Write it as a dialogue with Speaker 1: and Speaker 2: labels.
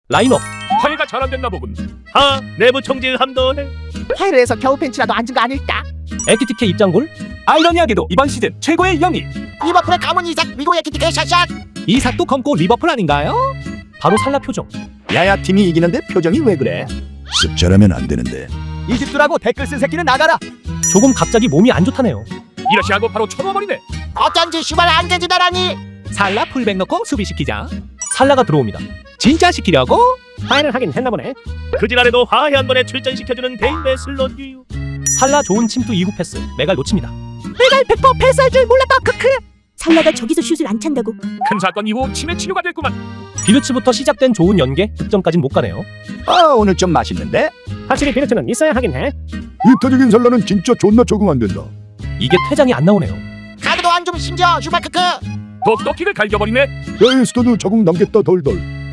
Speaker 1: 라인업.
Speaker 2: 화해가 잘 안 됐나 보군.
Speaker 3: 내부 총질 함도해.
Speaker 4: 화해를 해서 겨우 벤치라도 앉은 거 아닐까?
Speaker 1: 에키티케 입장골.
Speaker 2: 아이러니하게도 이번 시즌 최고의 영입.
Speaker 4: 리버풀의 가문 이삭 미국의 키티케 샷샷.
Speaker 2: 이삭도 검고 리버풀 아닌가요?
Speaker 1: 바로 살라 표정.
Speaker 3: 야야 팀이 이기는데 표정이 왜 그래?
Speaker 5: 습잘하면 안 되는데.
Speaker 2: 이집트라고 댓글 쓴 새끼는 나가라.
Speaker 1: 조금 갑자기 몸이 안 좋다네요.
Speaker 2: 이러시 하고 바로 쳐놓아버리네.
Speaker 4: 어쩐지 슈발 안 되지다라니.
Speaker 2: 살라 풀백 넣고 수비시키자.
Speaker 1: 살라가 들어옵니다.
Speaker 2: 진짜 시키려고?
Speaker 1: 화해를 하긴 했나 보네.
Speaker 3: 그 지랄에도 화해 한 번에 출전시켜주는 데인베 슬롯유.
Speaker 1: 살라 좋은 침투 2구 패스. 메갈 놓칩니다.
Speaker 4: 내가 100% 패스할 줄 몰랐다. 크크.
Speaker 6: 살라가 저기서 슛을 안 찬다고.
Speaker 2: 큰 사건 이후 치매 치료가 됐구만.
Speaker 1: 비르츠부터 시작된 좋은 연계. 득점까진 못 가네요.
Speaker 3: 오늘 좀 맛있는데?
Speaker 1: 확실히 비르츠는 있어야 하긴 해.
Speaker 5: 이타적인 살라는 진짜 존나 적응 안 된다.
Speaker 1: 이게 퇴장이 안 나오네요.
Speaker 4: 카드도 안 좀 심지어 슈발 크크.
Speaker 2: 독독킥을 갈겨버리네.
Speaker 5: 에스터도 적응 남겠다 덜덜.